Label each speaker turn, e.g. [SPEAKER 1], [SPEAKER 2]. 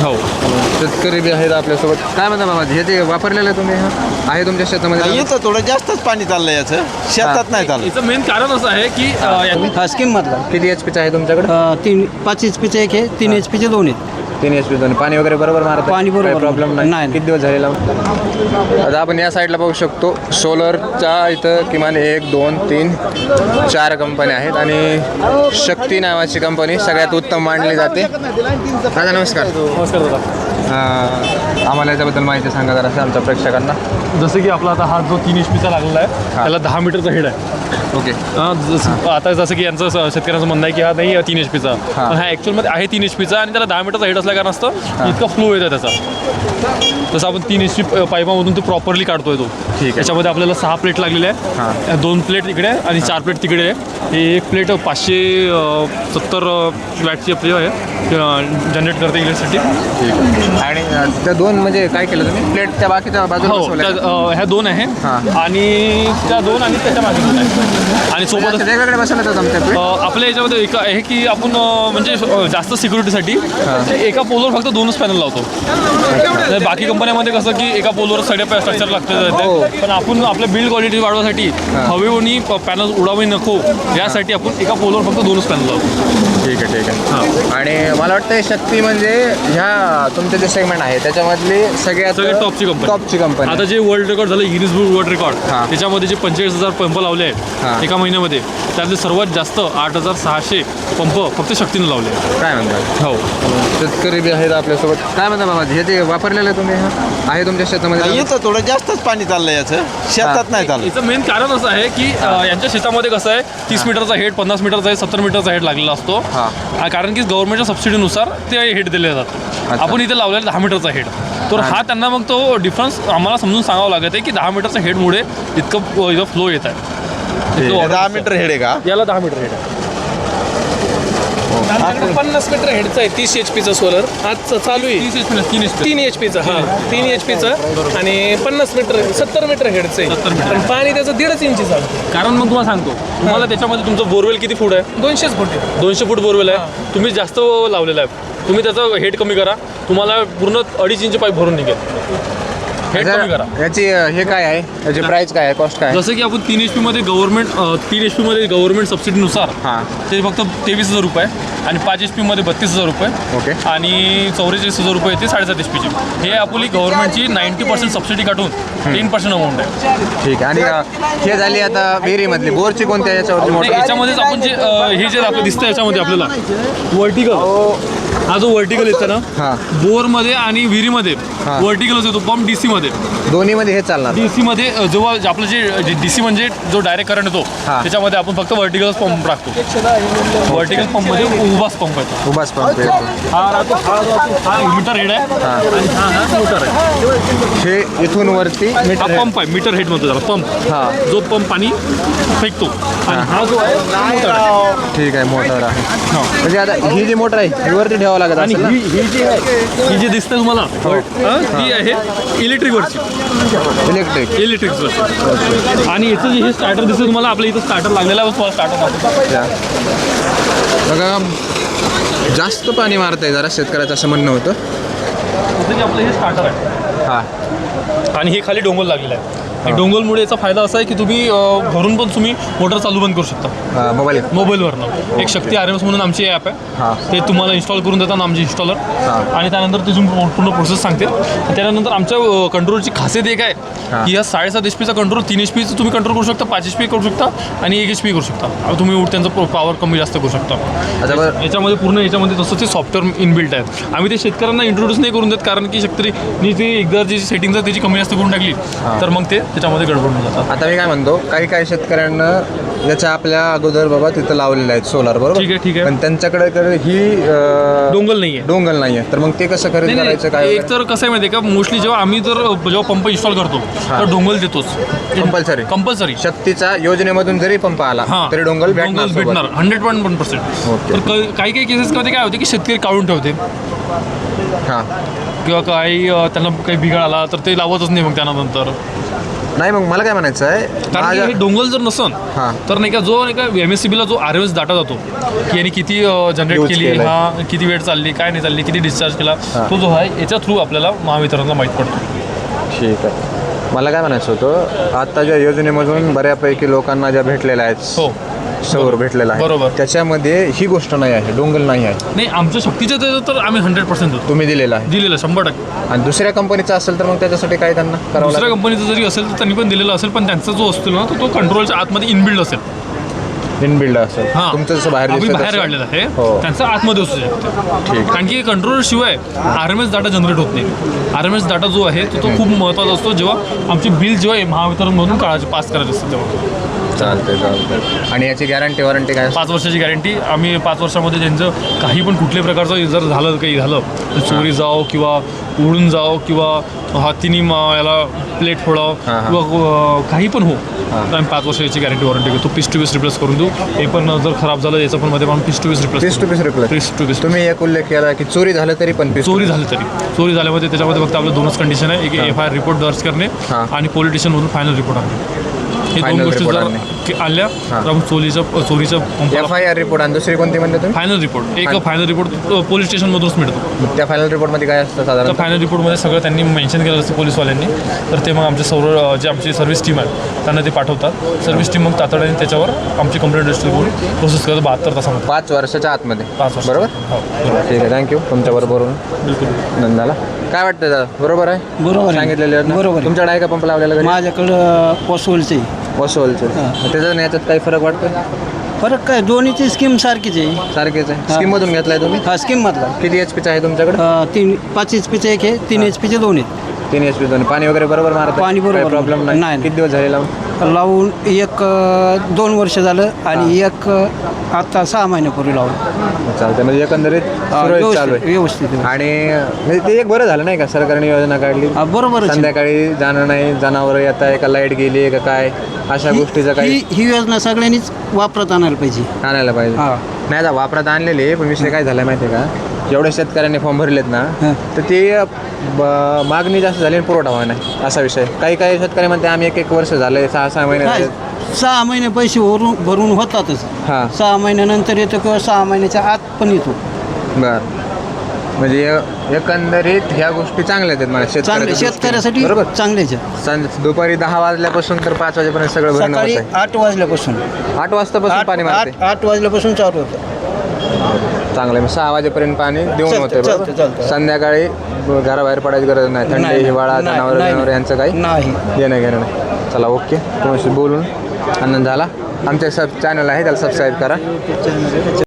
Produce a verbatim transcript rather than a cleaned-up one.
[SPEAKER 1] हो
[SPEAKER 2] शेतकरी बी आहेत आपल्यासोबत. काय म्हणता बाबा, हे जे वापरलेलं आहे तुम्ही, हा आहे तुमच्या शेतामध्ये?
[SPEAKER 3] इथं थोडं जास्तच पाणी चाललंय याचं, शेतात नाही चाललं.
[SPEAKER 1] याचं मेन कारण असं आहे की अ, या-
[SPEAKER 4] हा स्कीम मधला
[SPEAKER 2] किती एच पीचा आहे तुमच्याकडे?
[SPEAKER 4] अ, तीन पाच एच पीचे एक आहे, तीन एच पीचे दोन आहेत.
[SPEAKER 2] तीन एच पी दोन. पाणी वगैरे बरोबर मारत?
[SPEAKER 4] पाणी बरोबर
[SPEAKER 2] प्रॉब्लेम नाही.
[SPEAKER 4] नाही.
[SPEAKER 2] किती दिवस झाले लावून? आता आपण या साईडला बघू शकतो, सोलरच्या इथं किमान एक दोन तीन चार कंपन्या आहेत आणि शक्ती नावाची कंपनी सगळ्यात उत्तम मानली जाते. दादा नमस्कार.
[SPEAKER 1] नमस्कार दादा.
[SPEAKER 2] अं, आम्हाला याच्याबद्दल माहिती सांगा जरा आमच्या प्रेक्षकांना.
[SPEAKER 1] जसं की आपला आता हा जो तीन एच पीचा लागलेला आहे त्याला दहा मीटरचा हेड आहे.
[SPEAKER 2] ओके.
[SPEAKER 1] हा, जसं आता जसं की यांचं स- शेतकऱ्यांचं म्हणणं आहे की हा नाही तीन एच पीचा,
[SPEAKER 2] हा.
[SPEAKER 1] पण हा ॲक्च्युअलमध्ये आहे तीन एच पीचा आणि त्याला दहा मीटरचा हेड असल्या कारण असतं इतका फ्लो येतो त्याचा. जसं आपण तीन एच पी पाईपामधून तो प्रॉपरली काढतोय तो.
[SPEAKER 2] ठीक आहे.
[SPEAKER 1] त्याच्यामध्ये आपल्याला सहा प्लेट लागलेल्या
[SPEAKER 2] हा.
[SPEAKER 1] आहे, दोन प्लेट इकडे आहे आणि चार प्लेट तिकडे आहे. हे एक प्लेट पाचशे अ, सत्तर वॅटची आपली आहे, जनरेट करते इलेक्ट्रिसिटी.
[SPEAKER 2] ठीक आहे. आणि अं, त्या दोन म्हणजे काय केलं तुम्ही? प्लेट त्या बाकीच्या बाजूला
[SPEAKER 1] हो,
[SPEAKER 2] बसवल्या
[SPEAKER 1] त्या,
[SPEAKER 2] का?
[SPEAKER 1] अ, ह्या दोन आहे
[SPEAKER 2] हा.
[SPEAKER 1] आणि त्या दोन आणि त्याच्या मागे दोन आहे. आणि सोबत
[SPEAKER 2] अच्छा, वेगवेगळे बसवले तर आमच्या प्लेट?
[SPEAKER 1] अ, आपल्या याच्यामध्ये एक आहे की आपण अ, म्हणजे अ, जास्त सिक्युरिटीसाठी एका पोलवर फक्त दोनच पॅनल लावतो. तर बाकी कंपन्यामध्ये कसं की एका पोलवर सगळ्या स्ट्रक्चर
[SPEAKER 2] हो.
[SPEAKER 1] लागतं, पण आपण आपल्या बिल्ड क्वालिटी वाढवण्यासाठी हवेवणी पॅनल उडावे नको यासाठी आपण एका पोलवर फक्त दोनच पॅनल लावतो.
[SPEAKER 2] ठीक आहे, ठीक आहे. आणि मला वाटतं शक्ती म्हणजे ह्या तुमचे जे सेगमेंट आहे त्याच्यामधली सगळ्यात
[SPEAKER 1] सगळ्यात टॉपची कंपनी.
[SPEAKER 2] टॉपची कंपनी.
[SPEAKER 1] आता जे वर्ल्ड रेकॉर्ड झालं गिनीज बुक वर्ल्ड रेकॉर्ड,
[SPEAKER 2] हां.
[SPEAKER 1] त्याच्यामध्ये जे पंचेचाळीस हजार पंप लावले
[SPEAKER 2] हां.
[SPEAKER 1] आहेत एका महिन्यामध्ये, त्यातले सर्वात जास्त आठ हजार सहाशे पंप फक्त शक्तीने लावले आहेत.
[SPEAKER 2] काय म्हणतात?
[SPEAKER 1] हो
[SPEAKER 2] शेतकरी बी आहेत आपल्यासोबत. काय म्हणता बाबा, हे जे वापरलेलं आहे तुम्ही, हा आहे तुमच्या शेतामध्ये?
[SPEAKER 3] इथं थोडं जास्तच पाणी चाललंय याचं, शेतात नाही चाललं.
[SPEAKER 1] याचं मेन कारण असं आहे की अ, यांच्या शेतामध्ये कसं आहे तीस मीटरचा हेड, पन्नास मीटरचा हेड, सत्तर मीटरचा हेड लागलेला असतो.
[SPEAKER 2] हां.
[SPEAKER 1] आ, कारण की गव्हर्नमेंटच्या सबसिडीनुसार ते हेड दिले जातात. आपण इथे लावलेला दहा मीटरचा हेड, तर हा त्यांना मग तो डिफरन्स आम्हाला समजून सांगावं लागत आहे की दहा मीटरच्या हेडमुळे इतकं इथं फ्लो येत आहे. इतकं
[SPEAKER 3] दहा मीटर हेड आहे का?
[SPEAKER 1] याला दहा मीटर हेड आहे.
[SPEAKER 5] आमच्याकडे पन्नास मीटर हेडचं आहे, तीस एच पीचं सोलर आज चालू आहे.
[SPEAKER 1] तीस एच पी तीन एच पी
[SPEAKER 5] तीन एच पीचं हा तीन एच पीचं आणि पन्नास मीटर सत्तर मीटर हेडचं आहे.
[SPEAKER 1] सत्तर मीटर.
[SPEAKER 5] पण पाणी त्याचं दीडच इंची चालतं.
[SPEAKER 1] कारण मग तुम्हाला सांगतो, तुम्हाला त्याच्यामध्ये तुमचं बोरवेल किती फूट आहे?
[SPEAKER 5] दोनशेच फूट आहे.
[SPEAKER 1] दोनशे फूट बोरवेल आहे. तुम्ही जास्त लावलेलं आहे, तुम्ही त्याचं हेड कमी करा, तुम्हाला पूर्ण अडीच इंच पाईप भरून निघेल. हेड कमी करा.
[SPEAKER 2] याची अं, हे काय आहे, याची प्राइस काय आहे, कॉस्ट काय आहे?
[SPEAKER 1] जसं की आपण तीन एच पीमध्ये गव्हर्नमेंट तीन एच पीमध्ये गव्हर्नमेंट सबसिडीनुसार
[SPEAKER 2] हां.
[SPEAKER 1] ते फक्त तेवीस हजार रुपये आणि पाच एच पीमध्ये बत्तीस हजार रुपये
[SPEAKER 2] ओके.
[SPEAKER 1] आणि चौवेचाळीस हजार रुपये ते साडेसात एच पीची. हे आपली गव्हर्नमेंटची नाईन्टी पर्सेंट सबसिडी काढून टेन पर्सेंट अमाऊंट आहे.
[SPEAKER 2] ठीक आहे. आणि अं, हे झाली आता विहिरीमधली. बोरची कोणत्या याच्यावरती
[SPEAKER 1] नाही,
[SPEAKER 2] मोटर?
[SPEAKER 1] याच्यामध्येच आपण जे अ, हे जे आपलं दिसतं याच्यामध्ये आपल्याला वर्टिकल, हा जो वर्टिकल येतो ना
[SPEAKER 2] हां.
[SPEAKER 1] बोरमध्ये आणि विहिरीमध्ये
[SPEAKER 2] हां.
[SPEAKER 1] वर्टिकलच येतो पंप डीसी मध्ये.
[SPEAKER 2] दोन्हीमध्ये हे चालणार?
[SPEAKER 1] डीसी मध्ये अ, जेव्हा जे आपलं जे डीसी म्हणजे जो डायरेक्ट करंट येतो
[SPEAKER 2] हां.
[SPEAKER 1] त्याच्यामध्ये आपण फक्त वर्टिकल पंप टाकतो. वर्टिकल पंप मध्ये उभाच पंप येतो.
[SPEAKER 2] उभाच पंप येतो.
[SPEAKER 1] हा राहतो, हा राहतो, हा मीटर हेड आहे आणि हा हा मोटर आहे.
[SPEAKER 2] हे इथून वरती
[SPEAKER 1] हा
[SPEAKER 2] मीटर
[SPEAKER 1] पंप आहे, मीटर हेड म्हणतो त्याला पंप.
[SPEAKER 2] हां.
[SPEAKER 1] जो पंप पाणी फेकतो आणि हा जो आहे मोटर आहे.
[SPEAKER 2] ठीक आहे, मोटर आहे.
[SPEAKER 1] हा.
[SPEAKER 2] म्हणजे आता ही जी मोटर आहे ही वरती ठेवावं लागत
[SPEAKER 1] आणि
[SPEAKER 2] असेल ना?
[SPEAKER 1] ही ही जी आहे ही जी दिसते तुम्हाला हा, ती आहे इलेक्ट्रिकवरची,
[SPEAKER 2] इलेक्ट्रिक.
[SPEAKER 1] इलेक्ट्रिकवरची. आणि याचं जे हे स्टार्टर दिसतं तुम्हाला, आपल्या इथं स्टार्टर लागलेला आहे, तुम्हाला स्टार्टर
[SPEAKER 2] या. बघा, जास्त पाणी मारतंय जरा शेतकऱ्याचं असं म्हणणं होतं.
[SPEAKER 1] जसं की आपलं हे स्टार्टर आहे
[SPEAKER 2] हां.
[SPEAKER 1] आणि हे खाली डोंगल लागलेलं आहे. आणि डोंगलमुळे याचा फायदा असा आहे की तुम्ही अ, घरून पण तुम्ही मोटर चालू बंद करू शकता
[SPEAKER 2] हां, मोबाईल.
[SPEAKER 1] मोबाईलवरनं. एक शक्ती आर एम एस म्हणून आमची ॲप
[SPEAKER 2] हां.
[SPEAKER 1] आहे, ते तुम्हाला इन्स्टॉल करून देतात आमचे इन्स्टॉलर.
[SPEAKER 2] हां.
[SPEAKER 1] आणि त्यानंतर ते तुम्ही पूर्ण प्रोसेस सांगते. त्यानंतर आमच्या कंट्रोलची खासियत एक आहे
[SPEAKER 2] हां.
[SPEAKER 1] की या साडेसात एच पीचा कंट्रोल तीन एच पीचं तुम्ही कंट्रोल करू शकता, पाच एच पी करू शकता आणि एक एच पी करू शकता. आता तुम्ही त्यांचं पॉवर कमी जास्त करू शकता.
[SPEAKER 2] अच्छा, बरं.
[SPEAKER 1] याच्यामध्ये पूर्ण याच्यामध्ये तसं ते सॉफ्टवेअर इनबिल्ट आहे. आम्ही ते शेतकऱ्यांना इंट्रोड्यूस नाही करून देत, कारण की शेतकरी ती एकदा जी सेटिंग आहे त्याची कमी जास्त करून टाकली तर मग ते त्याच्यामध्ये गडबड होऊन जातात.
[SPEAKER 2] आता मी काय म्हणतो, काही काही शेतकऱ्यांना याच्या आपल्या अगोदर बाबा तिथं लावलेलं आहे सोलार, बरोबर?
[SPEAKER 1] ठीक आहे, ठीक आहे.
[SPEAKER 2] पण त्यांच्याकडे तर ही अं,
[SPEAKER 1] डोंगल नाही आहे.
[SPEAKER 2] डोंगल नाही आहे, तर मग ते कसं खरेदी
[SPEAKER 1] नाही,
[SPEAKER 2] करायचं
[SPEAKER 1] नाही,
[SPEAKER 2] काय?
[SPEAKER 1] एक तर कसं आहे माहिती आहे का, मोस्टली जेव्हा आम्ही जर जेव्हा पंप इन्स्टॉल करतो तर डोंगल देतोच
[SPEAKER 2] कंपल्सरी.
[SPEAKER 1] कंपल्सरी.
[SPEAKER 2] शक्तीच्या योजनेमधून जरी पंप आला
[SPEAKER 1] हां,
[SPEAKER 2] तरी डोंगल भेटणार
[SPEAKER 1] डोंगल भेटणार
[SPEAKER 2] सोबत.
[SPEAKER 1] Hundred point one percent.
[SPEAKER 2] Okay.
[SPEAKER 1] तर क- काही काही केसेसमध्ये काय होते की शेतकरी काढून ठेवते
[SPEAKER 2] हां.
[SPEAKER 1] किंवा काही अ, त्यांना काही बिघाड आला तर ते लावतच नाही मग त्यानंतर.
[SPEAKER 2] नाही मग मला काय म्हणायचं आहे
[SPEAKER 1] कारण की
[SPEAKER 2] माझ्या
[SPEAKER 1] हे डोंगल जर नसन
[SPEAKER 2] हां.
[SPEAKER 1] तर नाही का जो नाही का एम एस सी बीला जो आर एस डाटा जातो की यांनी किती जनरेट
[SPEAKER 2] Use
[SPEAKER 1] केली
[SPEAKER 2] केलंय.
[SPEAKER 1] हा किती वेळ चालली काय नाही चालली किती डिस्चार्ज केला
[SPEAKER 2] हां.
[SPEAKER 1] तो जो आहे याच्या थ्रू आपल्याला महावितरणला माहीत पडतो.
[SPEAKER 2] ठीक आहे. मला काय म्हणायचं होतं आत्ताच्या योजनेमधून बऱ्यापैकी लोकांना ज्या भेटलेल्या आहेत
[SPEAKER 1] हो
[SPEAKER 2] सौर भेटलेला आहे
[SPEAKER 1] बरोबर.
[SPEAKER 2] त्याच्यामध्ये ही गोष्ट नाही आहे डोंगल नाही आहे
[SPEAKER 1] नाही आमच्या शक्तीचं त्याचं तर आम्ही हंड्रेड पर्सेंट देतो
[SPEAKER 2] तुम्ही दिलेला आहे
[SPEAKER 1] दिलेलं शंभर टक्के.
[SPEAKER 2] आणि दुसऱ्या कंपनीचं असेल तर मग त्याच्यासाठी काय त्यांना करावं
[SPEAKER 1] दुसऱ्या
[SPEAKER 2] लागेल
[SPEAKER 1] कंपनीचं जरी असेल तर त्यांनी पण दिलेलं असेल पण त्यांचा जो असतो ना तो तो कंट्रोलच्या आतमध्ये इनबिल्ड असेल.
[SPEAKER 2] इनबिल्ड असेल
[SPEAKER 1] हां
[SPEAKER 2] तुमचं जसं बाहेर
[SPEAKER 1] आम्ही
[SPEAKER 2] दिसतं
[SPEAKER 1] बाहेर
[SPEAKER 2] तसं.
[SPEAKER 1] काढलेलं आहे
[SPEAKER 2] हो.
[SPEAKER 1] त्यांचा आतमध्ये असू शकतो.
[SPEAKER 2] ठीक.
[SPEAKER 1] कारण की कंट्रोलर शिवाय R M S data generate होत नाही. आर एम एस डाटा जो आहे तो तो खूप महत्त्वाचा असतो जेव्हा आमची बिल जेव्हा महावितरणमधून काढायची पास करायची असते तेव्हा.
[SPEAKER 2] चालते चालते आणि याची गॅरंटी वॉरंटी काय
[SPEAKER 1] पाच वर्षाची गॅरंटी आम्ही पाच वर्षामध्ये त्यांचं काही पण कुठल्याही प्रकारचं जर झालं काही झालं तर चोरी जाओ किंवा उडून जाओ किंवा हातीनी मा- याला प्लेट फोडावं
[SPEAKER 2] हां, हां.
[SPEAKER 1] किंवा अं, काही पण हो तर आम्ही पाच वर्षाची गॅरंटी वॉरंटी घेतो. पीस टू पीस रिप्लेस करून देऊ. हे पण जर खराब झालं याचं पण मध्ये आम्ही piece to piece replace
[SPEAKER 2] piece to piece replace
[SPEAKER 1] piece to piece
[SPEAKER 2] तुम्ही एक उल्लेख केला की चोरी झालं तरी पण पीस
[SPEAKER 1] चोरी झाली तरी चोरी झाल्यामध्ये त्याच्यामध्ये फक्त आपलं दोनच कंडिशन आहे एक एफ आय आर रिपोर्ट दर्ज करणे
[SPEAKER 2] हां.
[SPEAKER 1] आणि पोलीस स्टेशनमधून फायनल रिपोर्ट आणणे. हे दोन
[SPEAKER 2] Final
[SPEAKER 1] गोष्टी
[SPEAKER 2] report
[SPEAKER 1] जर
[SPEAKER 2] आणणे.
[SPEAKER 1] की आल्या
[SPEAKER 2] हां.
[SPEAKER 1] तर आपण चोरीच्या चोरीच्या
[SPEAKER 2] एफ आय आर रिपोर्ट आणि दुसरी कोणती म्हणते तुम्ही
[SPEAKER 1] फायनल रिपोर्ट एक फायनल रिपोर्ट पोलीस स्टेशनमधूनच मिळतो.
[SPEAKER 2] त्या फायनल रिपोर्टमध्ये काय असतं
[SPEAKER 1] तर
[SPEAKER 2] साधारण
[SPEAKER 1] फायनल रिपोर्टमध्ये सगळं त्यांनी मेन्शन केलं असतं पोलीसवाल्यांनी तर ते मग आमचे सौर जे आमची सर्व्हिस टीम आहे त्यांना ते पाठवतात. सर्व्हिस टीम मग तातडीने त्याच्यावर आमची कंप्लेंट रजिस्टर करून प्रोसेस करत बहात्तर तासामध्ये
[SPEAKER 2] पाच वर्षाच्या आतमध्ये
[SPEAKER 1] पाच वर्ष.
[SPEAKER 2] बरोबर
[SPEAKER 1] हो बरोबर
[SPEAKER 2] ठीक आहे थँक्यू तुमच्याबरोबर
[SPEAKER 1] बिलकुल.
[SPEAKER 2] नंदाला काय वाटतं दादा बरोबर आहे
[SPEAKER 4] बरोबर आहे.
[SPEAKER 2] सांगितलेले आहेत ना?
[SPEAKER 4] बरोबर आहे.
[SPEAKER 2] तुमच्याकडे आहे का पंप लावलेला घरी
[SPEAKER 4] माझ्याकडं पॉसिबलचे
[SPEAKER 2] वसोलचे त्याच्यात आणि याच्यात काही फरक वाटतो
[SPEAKER 4] फरक काय दोन्हीची स्कीम सारखीच आहे.
[SPEAKER 2] सारखेच आहे स्कीम मधून घेतलाय तुम्ही
[SPEAKER 4] हा स्कीम मधला
[SPEAKER 2] किती एच पीचा आहे तुमच्याकडे
[SPEAKER 4] अं, तीन पाच एच पीचे एक आहे तीन एच पीचे दोन आहेत.
[SPEAKER 2] तीन एच पी दोन पाणी वगैरे बरोबर मारत
[SPEAKER 4] पाणी बरोबर
[SPEAKER 2] प्रॉब्लेम नाही
[SPEAKER 4] नाही.
[SPEAKER 2] किती दिवस झाले लावून
[SPEAKER 4] लावून एक अं, दोन वर्ष झालं आणि एक अं, आता सहा महिन्यापूर्वी लावून
[SPEAKER 2] चालतंय म्हणजे एकंदरीत
[SPEAKER 4] अं,
[SPEAKER 2] सुरळीत चालू
[SPEAKER 4] व्यवस्थित
[SPEAKER 2] आहे
[SPEAKER 4] व्यवस्थित आहे.
[SPEAKER 2] आणि म्हणजे ते एक बरं झालं नाही का सरकारने योजना काढली
[SPEAKER 4] हा, बरोबरच आहे.
[SPEAKER 2] संध्याकाळी जाणं नाही जनावरं येत आहे का लाईट गेली का काय अशा गोष्टीचं काही
[SPEAKER 4] ही ही योजना सगळ्यांनीच वापरात आणायला पाहिजे.
[SPEAKER 2] आणायला पाहिजे
[SPEAKER 4] हा.
[SPEAKER 2] नाही आता वापरात आणलेली आहे, पण विषय काय झाला माहिती आहे का जेवढ्या शेतकऱ्यांनी फॉर्म भरलेत ना
[SPEAKER 4] हां.
[SPEAKER 2] तर ते ब- मागणी जास्त झाली आणि पुरवठा व्हावा नाही असा विषय काही काही शेतकरी म्हणते आम्ही एक एक वर्ष झाले सहा सहा महिने
[SPEAKER 4] काय
[SPEAKER 2] झाले
[SPEAKER 4] सहा महिने पैसे भरून भरून होतातच.
[SPEAKER 2] हां
[SPEAKER 4] सहा महिन्यानंतर येतो किंवा सहा महिन्याच्या आत पण येतो.
[SPEAKER 2] बर म्हणजे ए- एकंदरीत ह्या गोष्टी चांगल्या आहेत मला
[SPEAKER 4] चांगले
[SPEAKER 2] शेतकऱ्याच्या
[SPEAKER 4] शेतकऱ्यासाठी
[SPEAKER 2] दृष्टीने. बरोबर
[SPEAKER 4] चांगलेच आहे.
[SPEAKER 2] सं- दुपारी दहा वाजल्यापासून तर पाच वाजेपर्यंत सगळं भरणं
[SPEAKER 4] सकाळी
[SPEAKER 2] होत
[SPEAKER 4] आठ वाजल्यापासून
[SPEAKER 2] आहे आठ वाजतापासून
[SPEAKER 4] आठ
[SPEAKER 2] पाणी मारते
[SPEAKER 4] आठ आठ वाजल्यापासून चालू होतं.
[SPEAKER 2] चांगलं आहे. मग सहा वाजेपर्यंत पाणी देऊन
[SPEAKER 4] चालतं,
[SPEAKER 2] होते
[SPEAKER 4] चालतं,
[SPEAKER 2] बरोबर
[SPEAKER 4] चालतं.
[SPEAKER 2] संध्याकाळी घराबाहेर पडायची गरज नाही थंडी
[SPEAKER 4] नाही,
[SPEAKER 2] हिवाळा
[SPEAKER 4] नाही,
[SPEAKER 2] जनावर
[SPEAKER 4] नाही,
[SPEAKER 2] जनावर यांचं काही
[SPEAKER 4] नाही.
[SPEAKER 2] घेणं घेणं नाही चला ओके तुमच्याशी बोलून आनंद झाला आमच्या सब चॅनल आहे त्याला सबस्क्राईब करा